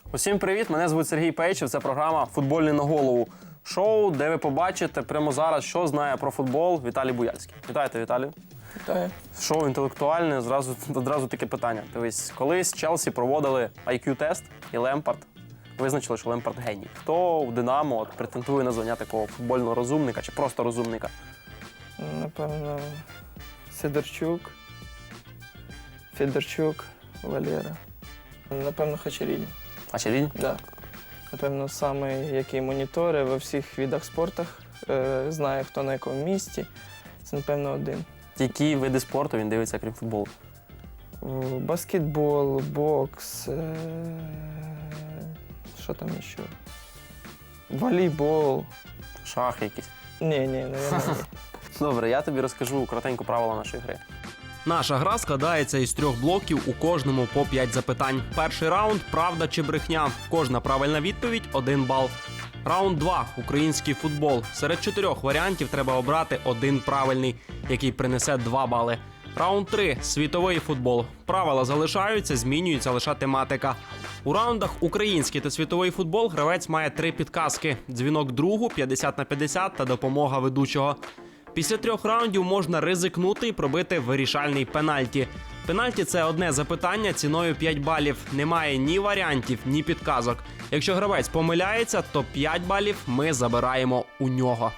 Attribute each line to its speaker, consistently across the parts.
Speaker 1: Усім привіт! Мене звуть Сергій Пейчев. Це програма «Футбольний на голову». Шоу, де ви побачите прямо зараз, що знає про футбол Віталій Буяльський. Вітайте, Віталію.
Speaker 2: Вітаю.
Speaker 1: Шоу інтелектуальне, одразу таке питання. Дивись, колись Челсі проводили IQ-тест і Лемпард визначили, що Лемпард геній. Хто у «Динамо» претендує на звання такого футбольного розумника чи просто розумника?
Speaker 2: Напевно, Федорчук, Валера. Напевно, Хачеріді.
Speaker 1: Хачеріді?
Speaker 2: Так. Да. Напевно, саме який моніторить во всіх видах спорту, знає, хто на якому місці. Це, напевно, один.
Speaker 1: Які види спорту він дивиться, крім футболу?
Speaker 2: Баскетбол, бокс, що там ще? Волейбол.
Speaker 1: Шахи якісь?
Speaker 2: Ні, наверное, ні.
Speaker 1: Добре, я тобі розкажу коротенько правила нашої гри.
Speaker 3: Наша гра складається із 3 блоків, у кожному по 5 запитань. Перший раунд – правда чи брехня. Кожна правильна відповідь – 1 бал. Раунд 2 – український футбол. Серед 4 варіантів треба обрати один правильний, який принесе 2 бали. Раунд 3 – світовий футбол. Правила залишаються, змінюється лише тематика. У раундах український та світовий футбол гравець має 3 підказки – дзвінок другу, 50/50 та допомога ведучого. Після 3 раундів можна ризикнути і пробити вирішальний пенальті. Пенальті – це одне запитання ціною 5 балів. Немає ні варіантів, ні підказок. Якщо гравець помиляється, то 5 балів ми забираємо у нього.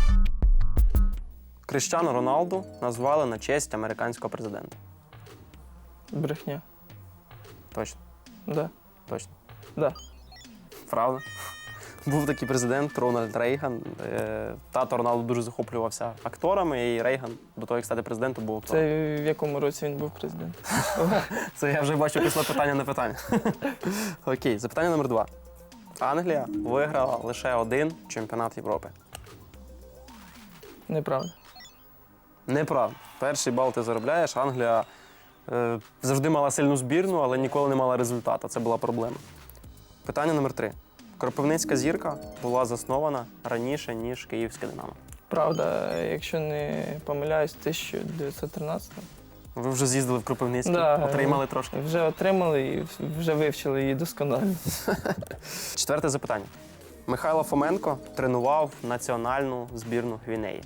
Speaker 1: Кріштіану Роналду назвали на честь американського президента.
Speaker 2: Брехня.
Speaker 1: Точно?
Speaker 2: Да.
Speaker 1: Точно.
Speaker 2: Да.
Speaker 1: Правда? Був такий президент Рональд Рейган. Тато Роналду дуже захоплювався акторами, і Рейган до того, як стати президентом, був актором.
Speaker 2: Це в якому році він був президентом?
Speaker 1: Це я вже бачу після питання на питання. Окей, запитання номер 2. Англія виграла лише один чемпіонат Європи.
Speaker 2: Неправда.
Speaker 1: Неправда. Перший бал ти заробляєш. Англія завжди мала сильну збірну, але ніколи не мала результату. Це була проблема. Питання номер 3. Кропивницька зірка була заснована раніше, ніж Київське Динамо.
Speaker 2: Правда, якщо не помиляюсь, 1913.
Speaker 1: Ви вже з'їздили в Кропивницький, отримали трошки.
Speaker 2: Вже отримали і вже вивчили її досконало.
Speaker 1: 4 запитання. Михайло Фоменко тренував національну збірну Гвінеї.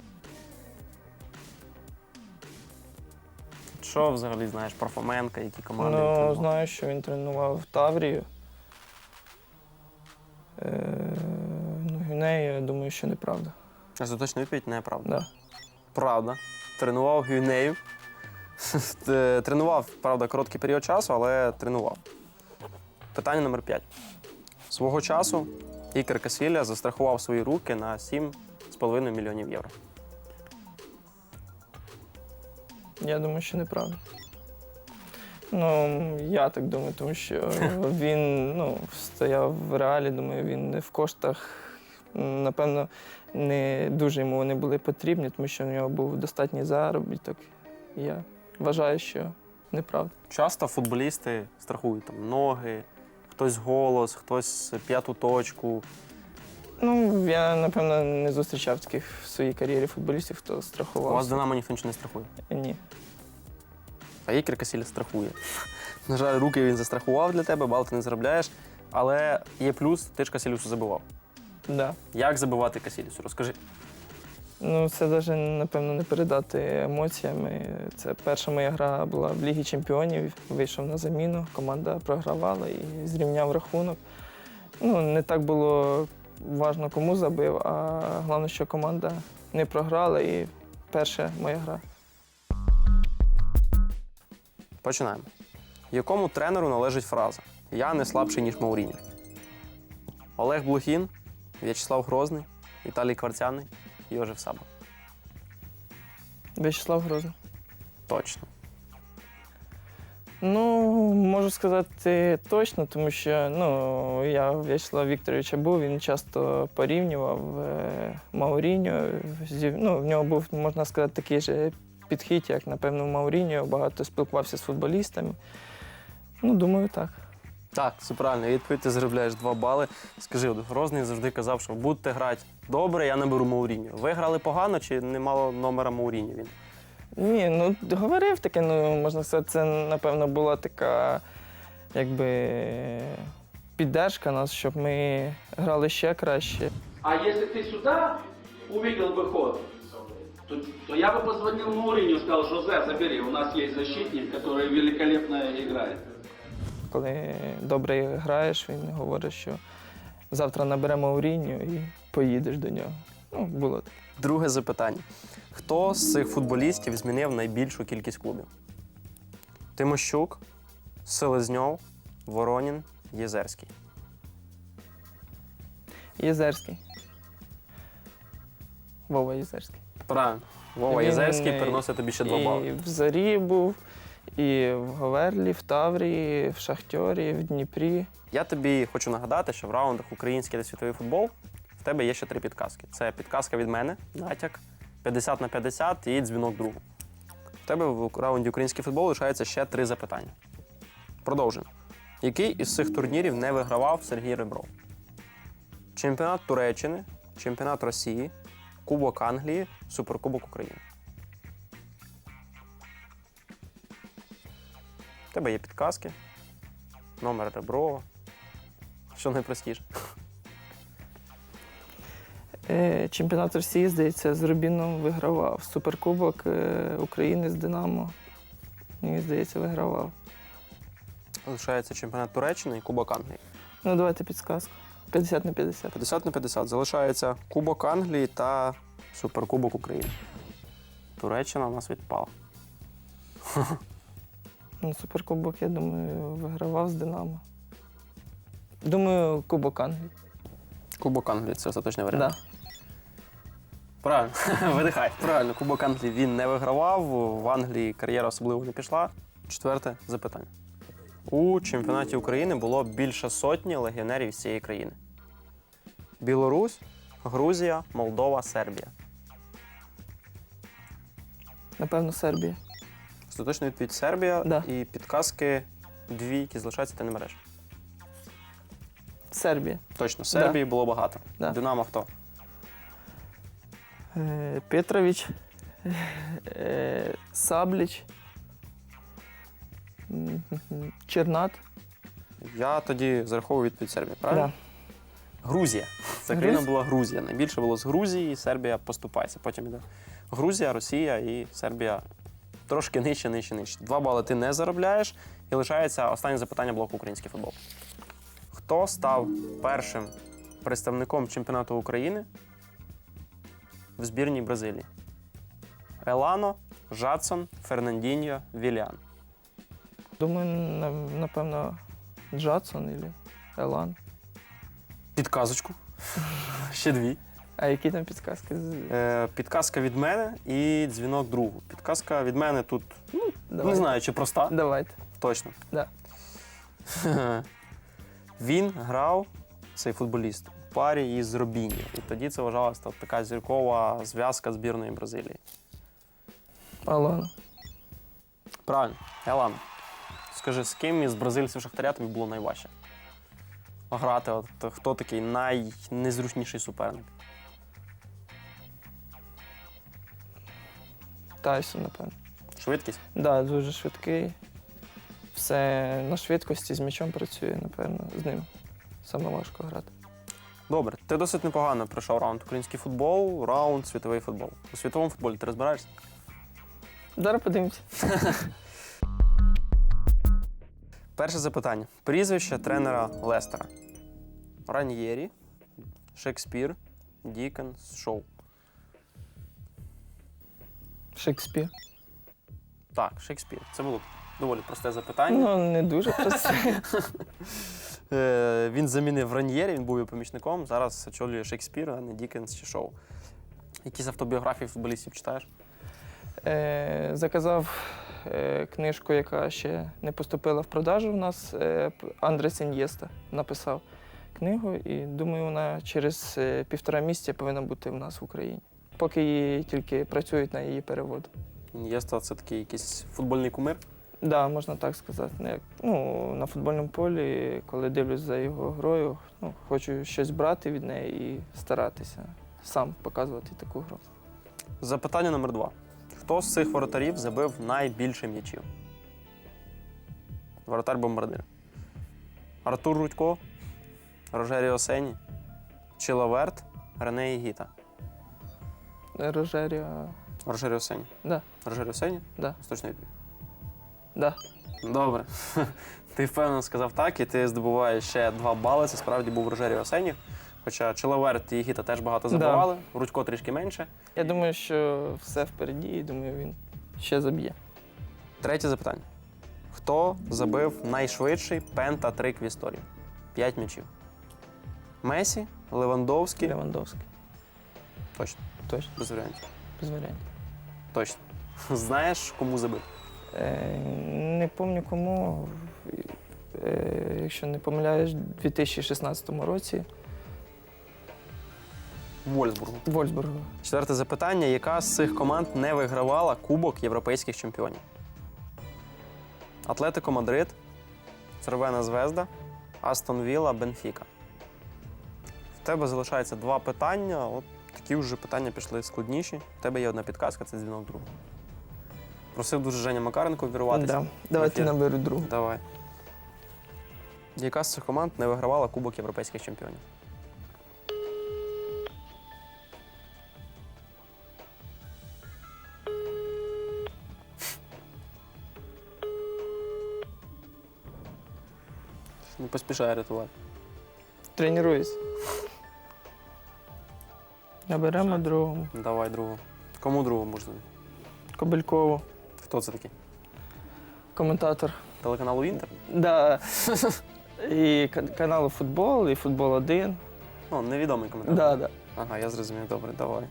Speaker 1: Що взагалі знаєш про Фоменка, які команди він тренував?
Speaker 2: Знаю, що він тренував Таврію. Гвінею, я думаю, що неправда.
Speaker 1: Остаточна відповідь – неправда.
Speaker 2: Да.
Speaker 1: Правда. Тренував Гвінею. Тренував, правда, короткий період часу, але тренував. Питання номер 5. Свого часу Ікер Касілля застрахував свої руки на 7,5 мільйонів євро.
Speaker 2: Я думаю, що неправда. Я так думаю, тому що він стояв в Реалі, думаю, він не в коштах, напевно, не дуже йому вони були потрібні, тому що в нього був достатній заробіток. Я вважаю, що неправда.
Speaker 1: Часто футболісти страхують там ноги, хтось голос, хтось п'яту точку.
Speaker 2: Я, напевно, не зустрічав таких в своїй кар'єрі футболістів, хто страхував.
Speaker 1: У вас в Динамо ніхто нічого не страхує?
Speaker 2: Ні.
Speaker 1: А Ікер Касілля страхує. На жаль, руки він застрахував для тебе, бал ти не заробляєш. Але є плюс, ти ж Касілюсу забивав.
Speaker 2: Да.
Speaker 1: Як забивати Касілюсу? Розкажи.
Speaker 2: Це навіть, напевно, не передати емоціями. Це перша моя гра була в Лігі Чемпіонів, вийшов на заміну, команда програвала і зрівняв рахунок. Не так було важливо, кому забив, а головне, що команда не програла і перша моя гра.
Speaker 1: Починаємо. Якому тренеру належить фраза «Я не слабший, ніж Мауріньо»? Олег Блохін, В'ячеслав Грозний, Віталій Кварцяний, Йожеф Саба.
Speaker 2: В'ячеслав Грозний.
Speaker 1: Точно.
Speaker 2: Можу сказати точно, тому що я у В'ячеслава Вікторовича був, він часто порівнював Мауріньо. В нього був, можна сказати, такий же підхід, як, напевно, у Мауріньо, багато спілкувався з футболістами. Думаю, так.
Speaker 1: Так, це правильно. Відповідь, ти заробляєш 2 бали. Скажи, Грозний завжди казав, що будете грати добре, я наберу Мауріньо. Ви грали погано чи не мало номера Мауріньо він?
Speaker 2: Ні, говорив таке, можна сказати, це, напевно, була така, якби, піддержка нас, щоб ми грали ще краще.
Speaker 4: А если ты сюда увидел выход, то я бы позвонил Мауриню и сказал: Жозе, забери, у нас есть защитник, который великолепно играет.
Speaker 2: Коли добре граєш, він говорить, що завтра наберемо Мауріньо і поїдеш до нього. Ну, було таке.
Speaker 1: Друге запитання. Хто з цих футболістів змінив найбільшу кількість клубів? Тимощук, Селезньов, Воронін, Єзерський.
Speaker 2: Єзерський. Вова Єзерський.
Speaker 1: Правильно. Вова
Speaker 2: Він
Speaker 1: Єзерський переносить тобі ще 2 бали.
Speaker 2: І в Зорі був, і в Говерлі, в Таврії, в Шахтьорі, в Дніпрі.
Speaker 1: Я тобі хочу нагадати, що в раундах «Український та світовий футбол» в тебе є ще 3 підказки. Це підказка від мене, натяк, 50/50 і дзвінок другу. В тебе в раунді «Український футбол» лишається ще 3 запитання. Продовжуємо. Який із цих турнірів не вигравав Сергій Ребров? Чемпіонат Туреччини, чемпіонат Росії, Кубок Англії, Суперкубок України. В тебе є підказки, номер Реброва. Що найпростіше?
Speaker 2: Чемпіонат Росії, здається, з Рубіном вигравав. Суперкубок України з Динамо, мені здається, вигравав.
Speaker 1: Лишається чемпіонат Туреччини і Кубок Англії.
Speaker 2: Ну, давайте підсказку. 50/50.
Speaker 1: 50/50. Залишається Кубок Англії та Суперкубок України. Туреччина у нас відпала.
Speaker 2: Ну, Суперкубок, я думаю, вигравав з Динамо. Думаю, Кубок Англії.
Speaker 1: Кубок Англії це остаточний варіант.
Speaker 2: Да.
Speaker 1: Правильно, видихай. Правильно, Кубок Англії він не вигравав, в Англії кар'єра особливо не пішла. 4 запитання. У чемпіонаті України було більше сотні легіонерів з цієї країни. Білорусь, Грузія, Молдова, Сербія.
Speaker 2: Напевно, Сербія.
Speaker 1: Остаточна відповідь Сербія
Speaker 2: Да.
Speaker 1: і підказки 2, які залишаються, ти не береш.
Speaker 2: Сербія.
Speaker 1: Точно, Сербії було багато.
Speaker 2: Да.
Speaker 1: Динамо хто?
Speaker 2: Петрович, Сабліч, Чернат.
Speaker 1: Я тоді зараховую відповідь Сербії, правильно?
Speaker 2: Да.
Speaker 1: Грузія. Це країна була Грузія. Найбільше було з Грузії, і Сербія поступається. Потім йде Грузія, Росія і Сербія трошки нижче. 2 бали ти не заробляєш. І лишається останнє запитання блоку «Український футбол». Хто став першим представником чемпіонату України в збірній Бразилії? Елано, Жадсон, Фернандіньо, Віліан.
Speaker 2: Думаю, напевно, Джадсон або Елан.
Speaker 1: Підказочку. Ще 2.
Speaker 2: А які там підказки?
Speaker 1: Підказка від мене і дзвінок другу. Підказка від мене тут, не
Speaker 2: Давайте.
Speaker 1: знаю, чи проста.
Speaker 2: Давайте.
Speaker 1: Точно.
Speaker 2: Да.
Speaker 1: Він грав, цей футболіст, у парі із Робіньо. І тоді це вважалася така зіркова зв'язка збірної Бразилії.
Speaker 2: Алана.
Speaker 1: Правильно, Елано. Скажи, з ким із бразильців Шахтаря тобі було найважче грати? От, хто такий найнезручніший суперник?
Speaker 2: Тайсон, напевно.
Speaker 1: Швидкість?
Speaker 2: Так, да, дуже швидкий. Все на швидкості з м'ячом працює, напевно, з ним. Саме важко грати.
Speaker 1: Добре, ти досить непогано пройшов раунд «Український футбол», раунд «Світовий футбол». У світовому футболі ти розбираєшся?
Speaker 2: Зараз подивимося.
Speaker 1: Перше запитання. Прізвище тренера Лестера. Раньєрі, Шекспір, Дікенс, Шоу.
Speaker 2: Шекспір.
Speaker 1: Так, Шекспір. Це було доволі просте запитання.
Speaker 2: Ну, не дуже просте.
Speaker 1: Він замінив Раньєрі, він був його помічником. Зараз очолює Шекспір, а не Дікенс чи Шоу. Якісь автобіографії футболістів читаєш?
Speaker 2: Заказав книжку, яка ще не поступила в продажу в нас. Андрес Ін'єста написав книгу, і думаю, вона через 1,5 місяця повинна бути в нас в Україні. Поки її тільки працюють на її перевод.
Speaker 1: Ін'єста – це такий якийсь футбольний кумир.
Speaker 2: Так, да, можна так сказати. На футбольному полі, коли дивлюсь за його грою, хочу щось брати від неї і старатися сам показувати таку гру.
Speaker 1: Запитання номер 2. Хто з цих воротарів забив найбільше м'ячів? Воротар-бомбардир. Артур Рудько, Рожеріо Сені, Чиловерт, Рене Ігіта.
Speaker 2: Рожеріо.
Speaker 1: Рожеріо Сені.
Speaker 2: Да,
Speaker 1: Рожеріо Сені?
Speaker 2: да,
Speaker 1: Точно відповідь.
Speaker 2: да.
Speaker 1: Добре. Ти впевнено сказав так, і ти здобуваєш ще 2 бали. Це справді був Рожеріо Сені. Хоча Чиловерт і Ігіта теж багато забивали, Рудько трішки менше.
Speaker 2: Я думаю, що все впереді, і думаю, він ще заб'є.
Speaker 1: Третє запитання. Хто забив найшвидший пентатрик в історії? 5 м'ячів. Месі, Левандовський.
Speaker 2: Левандовський.
Speaker 1: Точно,
Speaker 2: Точно,
Speaker 1: без варіантів.
Speaker 2: без варіантів.
Speaker 1: Точно. Знаєш, кому забив?
Speaker 2: Не пам'ятаю кому. Якщо не помиляюсь, у 2016 році
Speaker 1: Вольсбургу.
Speaker 2: Вольсбургу.
Speaker 1: Четверте запитання. Яка з цих команд не вигравала Кубок європейських чемпіонів? Атлетико Мадрид, Цервена Звезда, Астон Вілла, Бенфіка. В тебе залишається 2 питання. От такі вже питання пішли складніші. В тебе є одна підказка, це дзвінок другу. Просив дуже Женя Макаренко вірватися.
Speaker 2: Да. Давайте
Speaker 1: Ефір.
Speaker 2: наберу другу.
Speaker 1: Давай. Яка з цих команд не вигравала Кубок європейських чемпіонів? Не поспішай рятувати.
Speaker 2: Тренуюсь. Наберемо другому.
Speaker 1: Давай другу. Кому другу можна?
Speaker 2: Кобелькову.
Speaker 1: Хто це такий?
Speaker 2: Коментатор.
Speaker 1: Телеканалу Інтер?
Speaker 2: Да. І каналу Футбол, і Футбол 1.
Speaker 1: Ну, невідомий коментар.
Speaker 2: Да, да.
Speaker 1: Ага, я зрозумів. Добре, давай.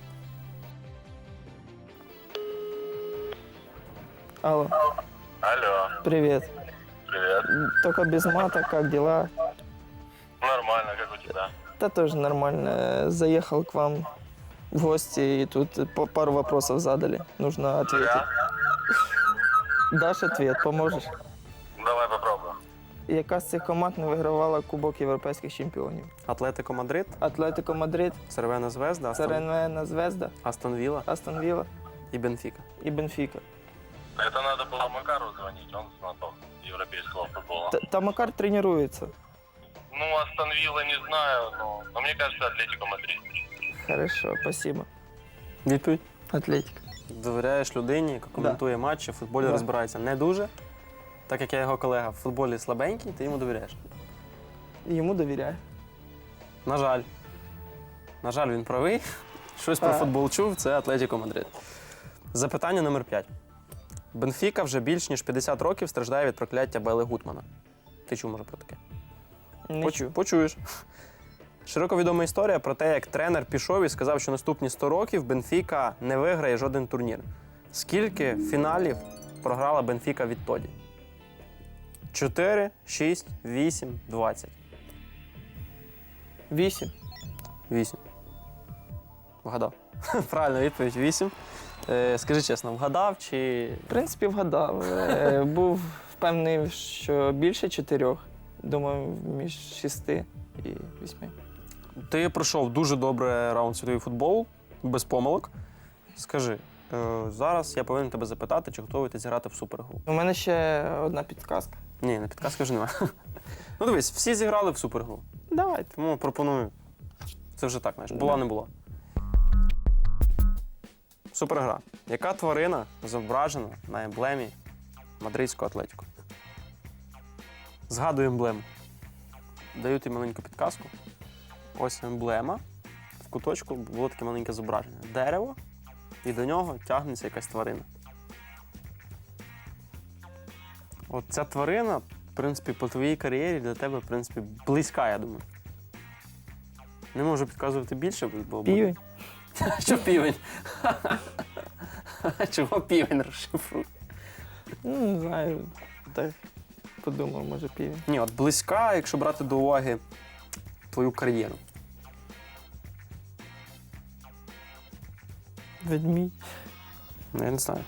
Speaker 2: Алло,
Speaker 5: Алло,
Speaker 2: привет.
Speaker 5: привет.
Speaker 2: Только без мата, как дела?
Speaker 5: Нормально, как у тебя?
Speaker 2: Да тоже нормально. Заехал к вам в гости, и тут пару вопросов задали. Нужно ответить. Дашь ответ, поможешь?
Speaker 5: Давай попробуем.
Speaker 2: Яка з цих команд не вигравала Кубок європейських чемпіонів?
Speaker 1: Атлетико Мадрид,
Speaker 2: Атлетико Мадрид,
Speaker 1: Цервена Звезда,
Speaker 2: Цервена Звезда,
Speaker 1: Астон Вілла
Speaker 2: Астон Вілла
Speaker 1: і Бенфіка.
Speaker 2: і Бенфіка.
Speaker 5: Это надо было Макару звонить, он знаток европейского футбола.
Speaker 2: Та Макар тренується.
Speaker 5: Ну, Астон Вилла не знаю, но мне кажется, Атлетико Мадрид.
Speaker 2: Хорошо, спасибо.
Speaker 1: Відповідь?
Speaker 2: Атлетика.
Speaker 1: Довіряєш людині, яка коментує матчі, в футболі
Speaker 2: Да.
Speaker 1: розбирається не дуже. Так як я його колега в футболі слабенький, ти йому довіряєш.
Speaker 2: Йому довіряю.
Speaker 1: На жаль. На жаль, він правий. Щось про футбол чув, це Атлетико Мадрид. Запитання номер 5. Бенфіка вже більш ніж 50 років страждає від прокляття Белли Гутмана. Ти чув, може, про таке?
Speaker 2: Не чув.
Speaker 1: Почуєш. Широко відома історія про те, як тренер пішов і сказав, що наступні 100 років Бенфіка не виграє жоден турнір. Скільки фіналів програла Бенфіка відтоді? 4, 6, 8, 20.
Speaker 2: 8.
Speaker 1: 8. Вгадав. Правильна відповідь 8. Скажи чесно, вгадав чи.
Speaker 2: В принципі, вгадав. Був впевнений, що більше 4. Думаю, між 6 і 8.
Speaker 1: Ти пройшов дуже добре раунд світовий футбол, без помилок. Скажи, зараз я повинен тебе запитати, чи готовий ти зіграти в супергру?
Speaker 2: У мене ще одна підказка.
Speaker 1: Ні, на підказки вже немає. Ну дивись, всі зіграли в супергру.
Speaker 2: Давайте.
Speaker 1: Тому пропоную. Це вже так, знаєш, була не була. Супергра. Яка тварина зображена на емблемі мадридського Атлетіко? Згадую емблему. Даю тобі маленьку підказку. Ось емблема. В куточку було таке маленьке зображення. Дерево, і до нього тягнеться якась тварина. От ця тварина, в принципі, по твоїй кар'єрі для тебе, в принципі, близька, я думаю. Не можу підказувати більше, бо...
Speaker 2: Півень.
Speaker 1: Що півень? Чого півень розшифруй?
Speaker 2: Ну, не знаю. Так подумав, може півень.
Speaker 1: Ні, от близька, якщо брати до уваги твою кар'єру.
Speaker 2: Ведмідь.
Speaker 1: Ну, я не знаю.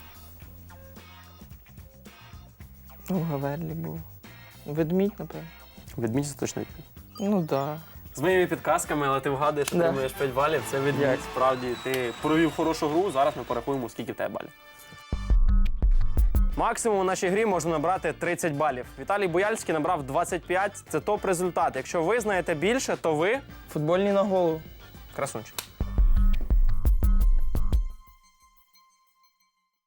Speaker 2: Ну, Гаверлі був. Ведмідь, напевно.
Speaker 1: Ведмідь це точно відповідь.
Speaker 2: Ну, так. Да.
Speaker 1: З моїми підказками, але ти вгадуєш,
Speaker 2: Да.
Speaker 1: отримуєш 5 балів. Це ведмідь. Справді, ти провів хорошу гру, зараз ми порахуємо, скільки в тебе балів. Максимум у нашій грі можна набрати 30 балів. Віталій Буяльський набрав 25. Це топ-результат. Якщо ви знаєте більше, то ви
Speaker 2: Футбольні на голову.
Speaker 1: красунчик.